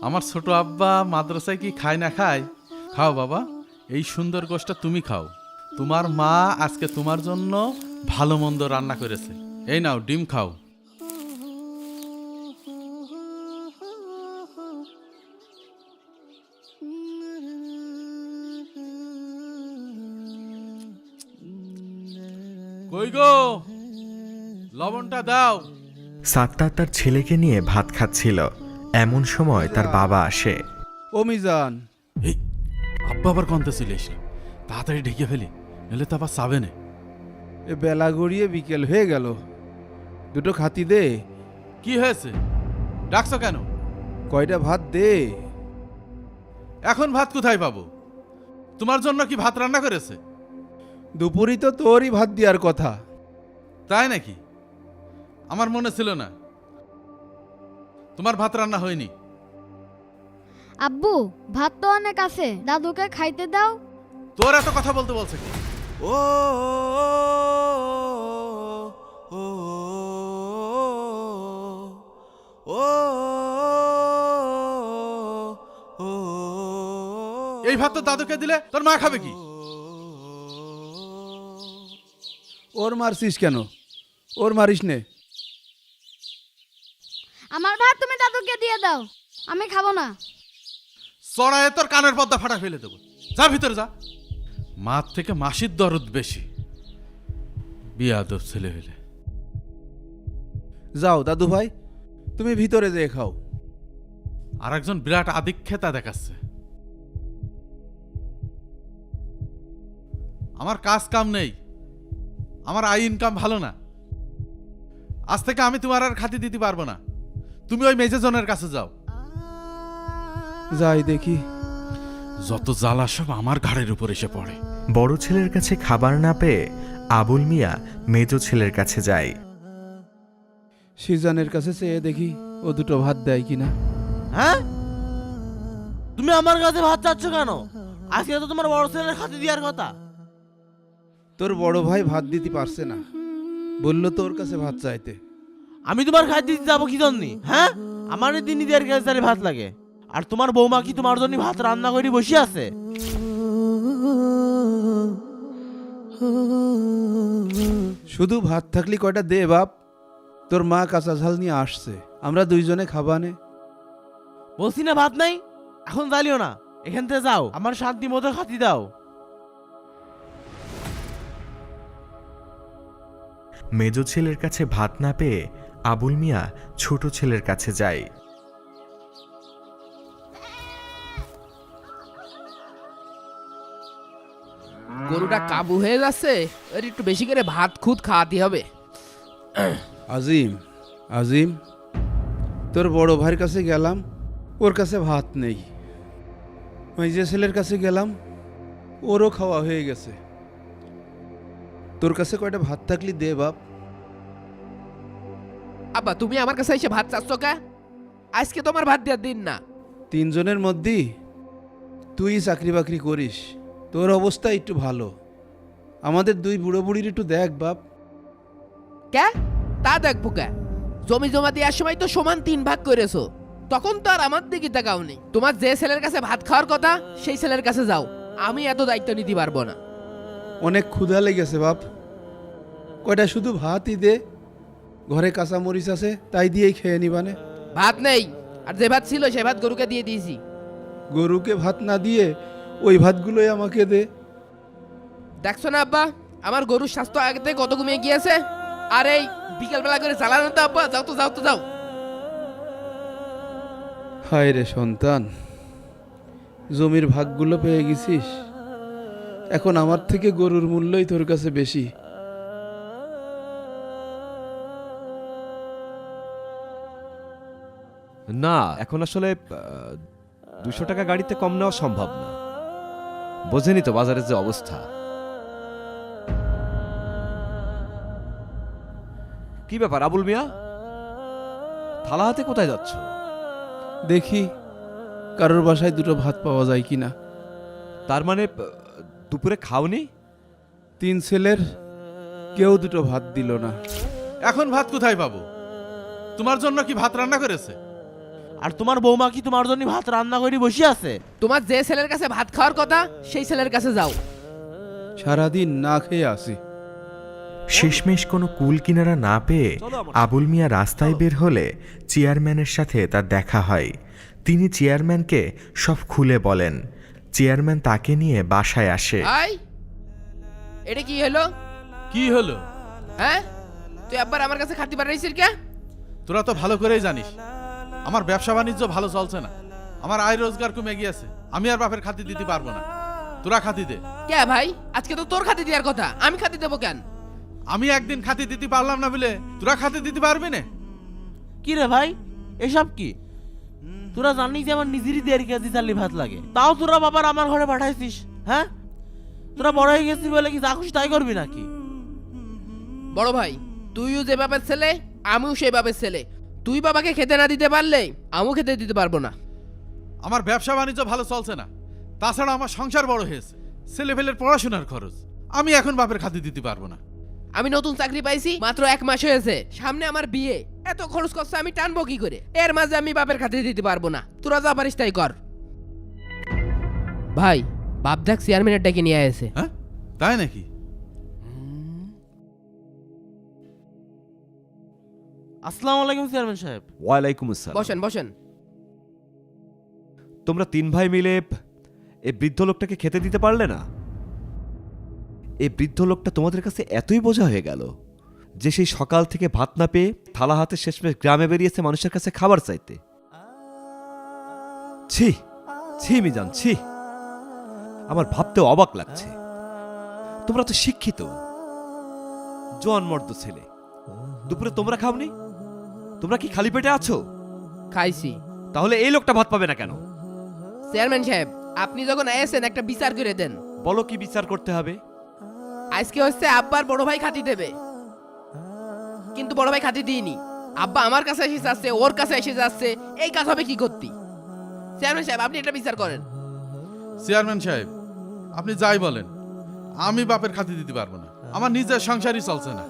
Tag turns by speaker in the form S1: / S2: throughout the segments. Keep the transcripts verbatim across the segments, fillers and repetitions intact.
S1: আমার ছোট আব্বা মাদ্রাসায় কি খায় না খায়? খাও বাবা, এই সুন্দর গোশটা তুমি খাও। তোমার মা আজকে তোমার জন্য ভালো মন্দ রান্না করেছে। এই নাও ডিম খাও। কই গো, লবণটা দাও।
S2: সাত্তার তার ছেলেকে নিয়ে ভাত খাচ্ছিল, এমন সময় তার বাবা আসে।
S3: ও মিজান,
S1: এই আব্বা আবার কনতে চলে এসে, তাড়াতাড়ি ঢেকে ফেলি, এলে তো আবার চাবে না।
S3: এ বেলা গড়িয়ে বিকেল হয়ে গেল, দুটো খাতি দে।
S1: কি হয়েছে, ডাকছো কেন?
S3: কয়টা ভাত দে।
S1: এখন ভাত কোথায় পাবো? তোমার জন্য কি ভাত রান্না করেছে?
S3: দুপুরই তো তোরই ভাত দেওয়ার কথা।
S1: তাই নাকি? আমার মনে ছিল না তোমার ভাত রান্না হয়নি।
S4: আব্বু, ভাত তো অনেক আছে, দাদুকে খাইতে দাও।
S1: তোর এত কথা বলতে বলছে কি?
S5: ও ও ও
S1: এই ভাত তো দাদুকে দিলে তোর মা খাবে কি?
S3: ওর মারছিস কেন? ওর মারিস নে।
S4: আমার ভাত তুমি দাদুকে দিয়ে দাও, আমি খাবো না।
S1: চড়ায় তোর কানের পর্দা ফাটা ফেলে দেবো। যা ভিতরে যা। মার থেকে মাসির দরদ বেশি, বিয়াদব ছেলে হইলে।
S3: যাও দাদু ভাই, তুমি ভিতরে যেয়ে খাও।
S1: আর একজন বিরাট আদিক্ষেতা দেখাচ্ছে। আমার কাজ কাম নেই, আমার আয় ইনকাম ভালো না। আজ থেকে আমি তোমার আর খাতি দিতে পারবো না। তুমি ওই মেজেজনের কাছে যাও।
S3: যাই দেখি।
S1: যত জ্বালা সব আমার ঘাড়ের উপর এসে পড়ে।
S2: বড় ছেলের কাছে খাবার না পেয়ে আবুল মিয়া মেজ ছেলের কাছে যায়।
S3: সিজানের কাছে চেয়ে দেখি ও দুটো ভাত দেয় কিনা।
S5: হ্যাঁ, তুমি আমার কাছে ভাত চাচ্ছ কেন? আজকে তো তোমার বড় ছেলের খাতে দেওয়ার কথা।
S3: তোর বড় ভাই ভাত দিতে পারছে না, বললো তোর কাছে ভাত চাইতে।
S5: আমি তোমার খাদ্য দিতে যাবো কি জন্য? হ্যাঁ, আমার দিন দেওয়ার কাছে ভাত লাগে, আর তোমার বৌমা কি তোমার জন্য ভাত রান্না করে বসে আছে?
S3: শুধু ভাত থাকলে কয়টা দে বাপ। তোর মা কাঁচা ঝাল নিয়ে আসছে, আমরা দুইজনে খাবানে।
S5: বলছি না ভাত নাই, এখন জ্বালিও না, এখান থেকে যাও, আমার শান্তি মতো খাতি দাও।
S2: মেজ ছেলের কাছে ভাত না পেয়ে আবুল মিয়া ছোট ছেলের কাছে যায়।
S6: গরুটা কাবু হয়ে যাচ্ছে, এর একটু বেশি করে ভাত খুদ খাওয়াতে হবে।
S3: আজিম, আজিম, তোর বড় ভাইয়ের কাছে গেলাম, ওর কাছে ভাত নেই। মাইজে ছেলের কাছে গেলাম, ওরও খাওয়া হয়ে গেছে। তোর কাছে কয়টা ভাত থাকলি দে বাপ।
S6: আব্বা, তুমি আমার কাছে এসে ভাত চাচ্ছ কে? আজকে তোমার ভাত দেওয়ার দিন না।
S3: তিনজনের মধ্যে তুই চাকরি বাকরি করিস, তোর অবস্থা একটু ভালো। আমাদের দুই বুড়ো বুড়ির একটু দেখ বাপ।
S6: কে? তা দেখবো কে? জমি জমা দেওয়ার সময় তো সমান তিন ভাগ করেছো, তখন তো আর আমার দিকে তাকাওনি। তোমার যে ছেলের কাছে ভাত খাওয়ার কথা সেই ছেলের কাছে যাও, আমি এত দায়িত্ব নিতে পারবো না।
S3: অনেক ক্ষুধা লেগেছে বাপ, কয়টা শুধু ভাতই দে। ঘরে কাঁচা মরিচ আছে, তাই দিয়েই খেয়ে নিবানে।
S6: ভাত নেই, আর যে ভাত ছিল সে ভাত গরুকে দিয়ে দিয়েছি।
S3: গরুকে ভাত না দিয়ে ওই ভাতগুলোই আমাকে দে।
S6: দেখছো না আব্বা, আমার গরুর স্বাস্থ্য আগে থেকে কত কমে গিয়েছে। আর এই বিকেলবেলা করে চালানো তো আব্বা, যাও তো যাও তো যাও।
S3: হায় রে সন্তান, জমির ভাগগুলো পেয়ে গেছিস, এখন আমার থেকে গরুর মূল্যই তোর কাছে বেশি।
S7: না, এখন আসলে দুশো টাকা গাড়িতে কম নেওয়া সম্ভব না। বোঝেনি তো বাজারের যে অবস্থা। কি ব্যাপার আবুল মিয়া, থালা হাতে কোথায় যাচ্ছ?
S3: দেখি কারোর বাসায় দুটো ভাত পাওয়া যায় কিনা।
S7: তার মানে দুপুরে খাওনি?
S3: তিন ছেলের কেউ দুটো ভাত দিল না।
S1: এখন ভাত কোথায় পাবো? তোমার জন্য কি ভাত রান্না করেছে?
S5: আর তোমার বৌমা কি তোমার জন্য ভাত রান্না করে বসে আছে?
S6: তোমার যে ছেলের কাছে ভাত খাওয়ার কথা সেই ছেলের কাছে যাও।
S3: সারাদিন না খেয়ে আসি।
S2: শেষমেশ কোনো কুল কিনারা না পেয়ে আবুল মিয়া রাস্তায় বের হলে চেয়ারম্যানের সাথে তার দেখা হয়। তিনি চেয়ারম্যানকে সব খুলে বলেন। চেয়ারম্যান তাকে নিয়ে বাসায় আসে।
S6: ভাই এটা কি হলো?
S1: কি হলো?
S6: হ্যাঁ, তুই আবার আমার কাছে খাতি পাঠাইছিস কে?
S1: তোরা তো ভালো করেই জানিস আমার ব্যবসা বাণিজ্য ভালো চলছে না, আমার আয় রোজগার কমে গিয়েছে, আমি আর বাপের খাতি দিতে পারবো না, তোরা খাতি দে।
S6: কে ভাই, আজকে তো তোর খাতি দেওয়ার কথা, আমি খাতি দেবো কেন?
S1: আমি একদিন খাতি দিতে পারলাম না বলে তোরা খাতি দিতে পারবি না?
S5: কি রে ভাই, এসব কি? তোরা জানিস যে আমার নিজেরই দেড় কেজি চালি ভাত লাগে, তাও তোরা বাবার আমার ঘরে পাঠাইছিস? হ্যাঁ, তোরা বড় হয়ে গেছিস বলে কি যা খুশি তাই করবি নাকি?
S6: বড় ভাই, তুইও যে বাপের ছেলে আমিও সেই বাপের ছেলে। তুই বাবাকে খেতে না দিতে পারলে আমিও খেতে দিতে পারবো না।
S1: আমার ব্যবসা বাণিজ্য ভালো চলছে না, তাছাড়া আমার সংসার বড় হয়েছে, ছেলেপেলের পড়াশোনার খরচ, আমি এখন বাপের খাতি দিতে পারবো না।
S6: আমি নতুন চাকরি পাইছি মাত্র এক মাস হয়েছে, সামনে আমার বিয়ে, এত খরচ করছে আমি টানবো কি করে? এর মাঝে আমি বাপের খাতে দিতে পারবো না, তোরা যা পারিস তাই কর। ভাই, বাপ দেখ চেয়ারম্যানের ডেকে নিয়ে আসে।
S1: হ্যাঁ, তাই নাকি?
S5: আসসালামু আলাইকুম চেয়ারম্যান সাহেব।
S7: ওয়ালাইকুম আসসালাম।
S6: বসেন বসেন।
S7: তোমরা তিন ভাই মিলে এই বৃদ্ধ লোকটাকে খেতে দিতে পারলে না? এই বৃদ্ধ লোকটা তোমাদের কাছে এতই বোঝা হয়ে গেল যে সেই সকাল থেকে ভাত না পেয়ে থালা হাতে শেষমেশ গ্রামে বেরিয়েছে মানুষের কাছে খাবার চাইতে। ছি ছি মিজান, ছি, আমার ভাবতে অবাক লাগছে। তোমরা তো শিক্ষিত জোয়ান মর্দ ছেলে, দুপুরে তোমরা খাওনি? তোমরা কি খালি পেটে আছো?
S6: খাইছি।
S7: তাহলে এই লোকটা ভাত পাবে না কেন?
S6: চেয়ারম্যান সাহেব, আপনি যখন এসেছেন একটা বিচার করে দেন।
S7: বলো কি বিচার করতে হবে?
S6: আজকে হচ্ছে আব্বার বড় ভাই খাতি দেবে, কিন্তু বড় ভাই খাতি দিইনি। আব্বা আমার কাছে এসে যাচ্ছে, ওর কাছে এসে যাচ্ছে, এই কাজ হবে কি করতি? চেয়ারম্যান সাহেব, আপনি এটা বিচার করেন।
S1: চেয়ারম্যান সাহেব, আপনি যাই বলেন, আমি বাপের খাতি দিতে পারবো না, আমার নিজের সংসারই চলছে না।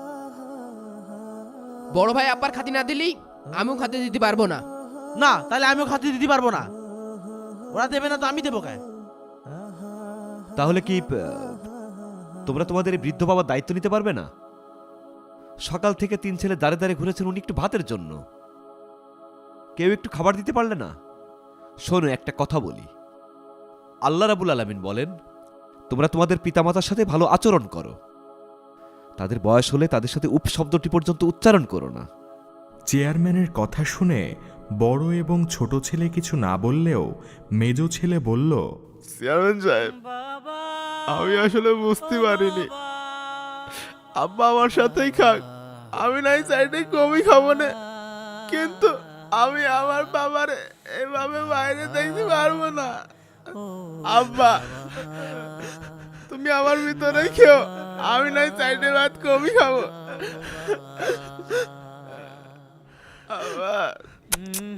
S6: বড় ভাই আব্বার খাতি না দিলি আমিও খাতি দিতে পারবো না।
S5: না, তাহলে আমিও খাতি দিতে পারবো না। ওরা দেবে না তো আমি দেবো কেন?
S7: তাহলে কি আহ, তোমরা তোমাদের এই বৃদ্ধ বাবার দায়িত্ব নিতে পারবে না? সকাল থেকে তিন ছেলে দাঁড়ে দাঁড়িয়ে ঘুরেছেন উনি একটু ভাতের জন্য, কেউ একটু খাবার দিতে পারলে না? শোনো, একটা কথা বলি, আল্লাহ রাব্বুল আলামিন বলেন তোমরা তোমাদের পিতামাতার সাথে ভালো আচরণ করো, তাদের বয়স হলে তাদের সাথে উপ শব্দটি পর্যন্ত উচ্চারণ করো না।
S2: চেয়ারম্যানের কথা শুনে বড় এবং ছোট ছেলে কিছু না বললেও মেজ ছেলে বলল,
S8: চেয়ারম্যান সাহেব, আমি আসলে বুঝতে পারিনি, আব্বা আমার সাথেই খাক, আমি নাই চাইতে কমই খাবো না, কিন্তু আমি আমার বাবার এভাবে বাইরে দেখতে পারবো না। আব্বা, তুমি আমার ভিতরে খেও, আমি নাই চাইতে ভাত কমই খাবো। আব্বা।